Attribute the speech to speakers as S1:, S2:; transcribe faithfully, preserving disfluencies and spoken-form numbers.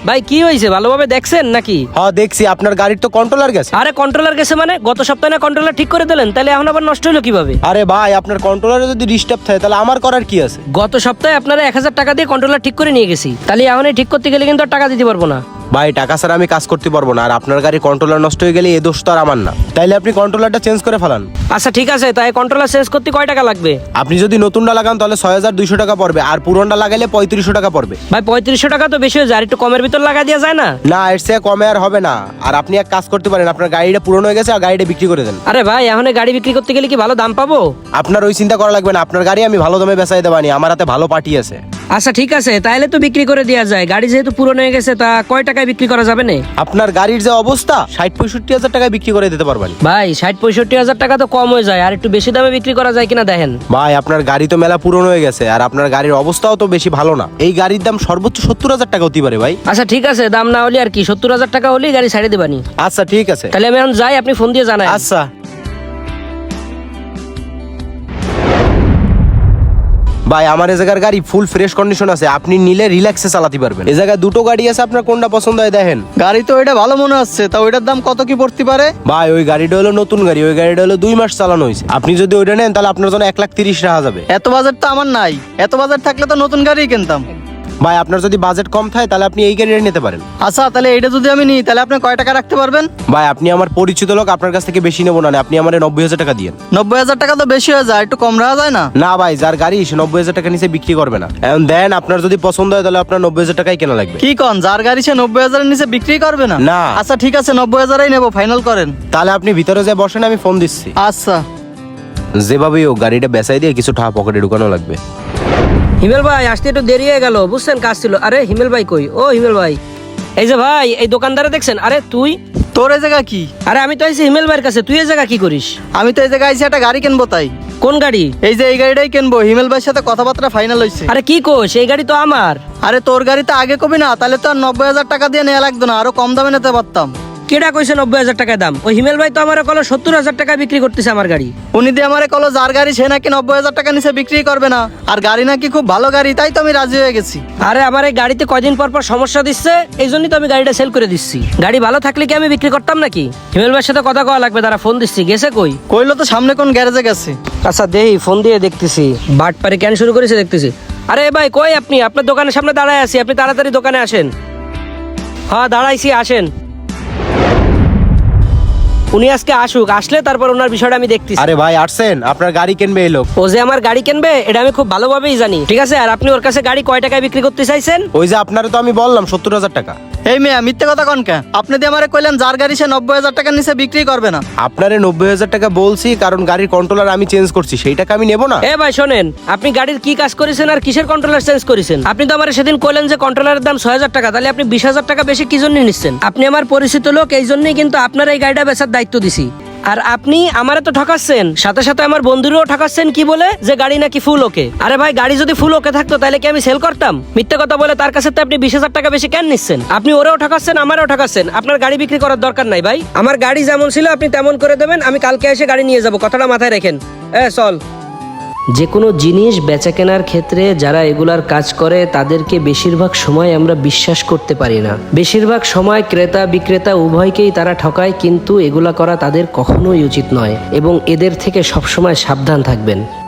S1: ভাই কি হয়েছে ভালোভাবে দেখছেন নাকি?
S2: হ্যাঁ দেখছি, আপনার গাড়ির তো কন্ট্রোলার গেছে।
S1: আরে কন্ট্রোলার গেছে মানে? গত সপ্তাহে না কন্ট্রোলার ঠিক করে দিলেন, তাহলে এখন আবার নষ্ট হলো কিভাবে?
S2: আরে ভাই, আপনার কন্ট্রোলারে যদি ডিস্টার্ব থাকে তাহলে আমার করার কি আছে?
S1: গত সপ্তাহে আপনারা এক হাজার টাকা দিয়ে কন্ট্রোলার ঠিক করে নিয়ে গেছি, তাহলে এখন এই ঠিক করতে গেলে কিন্তু আর টাকা দিতে পারবো না।
S2: ভাই টাকা ছাড়া আমি কাজ করতে পারবো না, আর আপনার গাড়ি কন্ট্রোলার নষ্ট হয়ে গেলে এ দোষ তো আর আমার না। তাইলে আপনি কন্ট্রোলারটা চেঞ্জ করে ফেলান।
S1: আচ্ছা ঠিক আছে, তাই কন্ট্রোলার চেঞ্জ করতে কয় টাকা লাগবে?
S2: আপনি যদি নতুনটা লাগান তাহলে ছয় হাজার দুইশো টাকা পড়বে, আর পুরনটা লাগাইলে পঁয়ত্রিশশো টাকা পড়বে।
S1: ভাই পঁয়ত্রিশশো টাকা তো বেশি হয়ে যায়, আর একটু কমের ভিতর লাগা দেওয়া যায় না?
S2: না, এর চেয়ে কমে আর হবে না। আর আপনি এক কাজ করতে পারেন, আপনার গাড়িটা পুরনো হয়ে গেছে, আর গাড়িটা বিক্রি করে দেন।
S1: আরে ভাই এখন এই গাড়ি বিক্রি করতে গেলে কি ভালো দাম পাবো?
S2: আপনার ওই চিন্তা করা লাগবে না, আপনার গাড়ি আমি ভালো দামে বেচাই দেবানি, আমার হাতে ভালো পার্টি আছে।
S1: আচ্ছা ঠিক আছে, তাহলে তো বিক্রি করে দেওয়া যায়। গাড়ি যেহেতু পুরনো হয়ে গেছে, তা কয় টাকায় বিক্রি করা যাবে না?
S2: আপনার গাড়ির যে অবস্থা, ষাট পঁয়ষট্টি হাজার টাকায় বিক্রি করে দিতে পারবেন।
S1: ভাই ষাট পঁয়ষট্টি হাজার টাকা তো কম হয়ে যায়, আর একটু বেশি দামে বিক্রি করা যায় কিনা দেখেন।
S2: ভাই আপনার গাড়ি তো মেলা পুরনো হয়ে গেছে, আর আপনার গাড়ির অবস্থাও তো বেশি ভালো না। এই গাড়ির দাম সর্বোচ্চ সত্তর হাজার টাকা হতে পারে ভাই।
S1: আচ্ছা ঠিক আছে, দাম না হলে আর কি, সত্তর হাজার টাকা হলেই গাড়ি ছাড়ে দেবানি।
S2: আচ্ছা ঠিক আছে,
S1: তাহলে আমি এখন যাই, আপনি ফোন দিয়ে জানাই।
S2: আচ্ছা। ভাই আমার এই জায়গার গাড়ি ফুল ফ্রেশ কন্ডিশন আছে, আপনি নিলে রিল্যাক্সে চালাতে পারবেন। এই জায়গায় দুটো গাড়ি আছে, আপনার কোনটা পছন্দ হয় দেখেন।
S3: গাড়ি তো এটা ভালো মনে হচ্ছে, তা ওইটার দাম কত কি পড়তে পারে?
S2: ভাই ওই গাড়িটা হলো নতুন গাড়ি, ওই গাড়িটা হলো দুই মাস চালানো হয়েছে। আপনি যদি ওইটা নেন তাহলে আপনার জন্য এক লাখ তিরিশ রাখা যাবে।
S3: এত বাজেট তো আমার নাই, এত বাজেট থাকলে তো নতুন গাড়ি কিনতাম।
S2: ভাই আপনার যদি বাজেট কম থাকে তাহলে আপনি এই গাড়িটা নিতে পারেন।
S3: আচ্ছা তাহলে এটা যদি আমি নিই তাহলে আপনি কয় টাকা রাখতে পারবেন?
S2: ভাই আপনি আমার পরিচিত লোক, আপনার কাছ থেকে বেশি নেবো না, আপনি আমার নব্বই হাজার টাকা দিয়েন।
S3: নব্বই হাজার টাকা তো বেশি হয়ে যায়, একটু কম রাখা যায় না?
S2: না ভাই, যার গাড়ি সে নব্বই হাজার টাকা নিচে বিক্রি করবে না। এখন দেন, আপনার যদি পছন্দ হয় তাহলে আপনার নব্বই হাজার টাকাই কেনা লাগবে।
S3: কি কন, যার গাড়ি সে নব্বই হাজারের নিচে বিক্রি করবে না?
S2: না।
S3: আচ্ছা ঠিক আছে, নব্বই হাজারই নেবো, ফাইনাল করেন।
S2: তাহলে আপনি ভিতরে যে বসেন, আমি ফোন দিচ্ছি।
S3: আচ্ছা।
S2: যেভাবেই ও গাড়িটা বেচাই দিয়ে কিছু টাকা পকেটে ঢুকানো লাগবে।
S1: হিমেল ভাই আসতে একটু দেরি হয়ে গেল, বুঝছেন কাজ ছিল। আরে হিমেল ভাই কই? ও হিমেল ভাই, এই যে ভাই এই দোকানদারে দেখছেন? আরে তুই?
S3: তোর এই জায়গা কি?
S1: আরে আমি তো আইছি হিমেল ভাইয়ের কাছে, তুই এই জায়গা কি করিস?
S3: আমি তো এই জায়গায় আইছি একটা গাড়ি কিনবো তাই।
S1: কোন গাড়ি?
S3: এই যে এই গাড়িটাই কিনবো, হিমেল ভাইয়ের সাথে কথাবার্তা ফাইনাল হয়েছে।
S1: আরে কি কোস, এই গাড়ি তো আমার।
S3: আরে তোর গাড়ি তো আগে কবি না, তাহলে তো আর নব্বই হাজার টাকা দিয়ে নেওয়া লাগতো না, আরো কম দামে নিতে পারতাম।
S1: কেডা কইছে নব্বই হাজার টাকা দাম? ওই হিমেল ভাই তো আমার কলো সত্তর হাজার টাকা বিক্রি করতেছে আমার গাড়ি।
S3: উনি দিয়ে আমারে কলো যার গাড়ি সে নাকি নব্বই হাজার টাকা নিচে বিক্রি করবে না, আর গাড়ি নাকি খুব ভালো গাড়ি, তাই তো আমি রাজি হয়ে গেছি।
S1: আরে আমার এই গাড়িতে কয়দিন পর পর সমস্যা দিচ্ছে, এই জন্যই তো আমি গাড়িটা সেল করে দিচ্ছি। গাড়ি ভালো থাকলে কি আমি বিক্রি করতাম নাকি? হিমেল ভাইয়ের সাথে কথা কওয়া লাগবে, তারা ফোন দিচ্ছি। গেছে কই?
S3: কইলো তো সামনে কোন গ্যারেজে গেছে।
S1: আচ্ছা দেই, ফোন দিয়ে দেখতেছি। বাট পারে কেন শুরু করেছে দেখতেছি। আরে ভাই কই আপনি? আপনার দোকানের সামনে দাঁড়ায় আছি, আপনি তাড়াতাড়ি দোকানে আসেন। হ্যাঁ দাঁড়াইছি, আসেন। উনি আজকে আসুক, আসলে তারপর ওনার বিষয়টা আমি দেখতেছি।
S2: আরে ভাই আসছেন, আপনার গাড়ি কিনবে এই লোক।
S1: ও যে আমার গাড়ি কিনবে এটা আমি খুব ভালোভাবেই জানি, ঠিক আছে। আর আপনি ওর কাছে গাড়ি কয় টাকায় বিক্রি করতে চাইছেন?
S2: ওই যে আপনারে তো আমি বললাম সত্তর হাজার টাকা।
S3: এই মেয়ে মিথ্যে কথা কন কে? আপনি দিয়ে আমারে কইলেন যার গাড়ি সে নব্বই হাজার টাকার নিচে বিক্রি করবে না।
S2: আপনারে নব্বই হাজার টাকা বলছি কারণ গাড়ির কন্ট্রোলার আমি চেঞ্জ করছি, সেই টাকা আমি নেবো না।
S1: এ ভাই শোনেন, আপনি গাড়ির কি কাজ করেছেন আর কিসের কন্ট্রোলার চেঞ্জ করেছেন? আপনি তো আমার সেদিন কইলেন যে কন্ট্রোলারের দাম ছয় হাজার টাকা, তাহলে আপনি বিশ হাজার টাকা বেশি কি জন্য নিচ্ছেন? আপনি আমার পরিচিত লোক, এই জন্যই কিন্তু আপনার এই গাড়িটা বেচার দায়িত্ব দিছি। আর আপনি আমারে তো ঠকাচ্ছেন, সাথে সাথে আমার বন্ধুরও ঠকাচ্ছেন। কি বলে যে গাড়ি নাকি ফুল ওকে? আরে ভাই গাড়ি যদি ফুল ওকে থাকতো তাহলে কি আমি সেল করতাম? মিথ্যে কথা বলে তার কাছে তো আপনি বিশ হাজার টাকা বেশি কেন নিচ্ছেন? আপনি ওরেও ঠকাচ্ছেন, আমারও ঠকাচ্ছেন। আপনার গাড়ি বিক্রি করার দরকার নাই ভাই, আমার গাড়ি যেমন ছিল আপনি তেমন করে দেবেন, আমি কালকে এসে গাড়ি নিয়ে যাব, কথাটা মাথায় রাখেন। এ চল। যে কোনো জিনিস বেচা কেনার ক্ষেত্রে যারা এগুলার কাজ করে তাদেরকে বেশিরভাগ সময় আমরা বিশ্বাস করতে পারি না। বেশিরভাগ সময় ক্রেতা বিক্রেতা উভয়কেই তারা ঠকায়, কিন্তু এগুলা করা তাদের কখনোই উচিত নয় এবং এদের থেকে সবসময় সাবধান থাকবেন।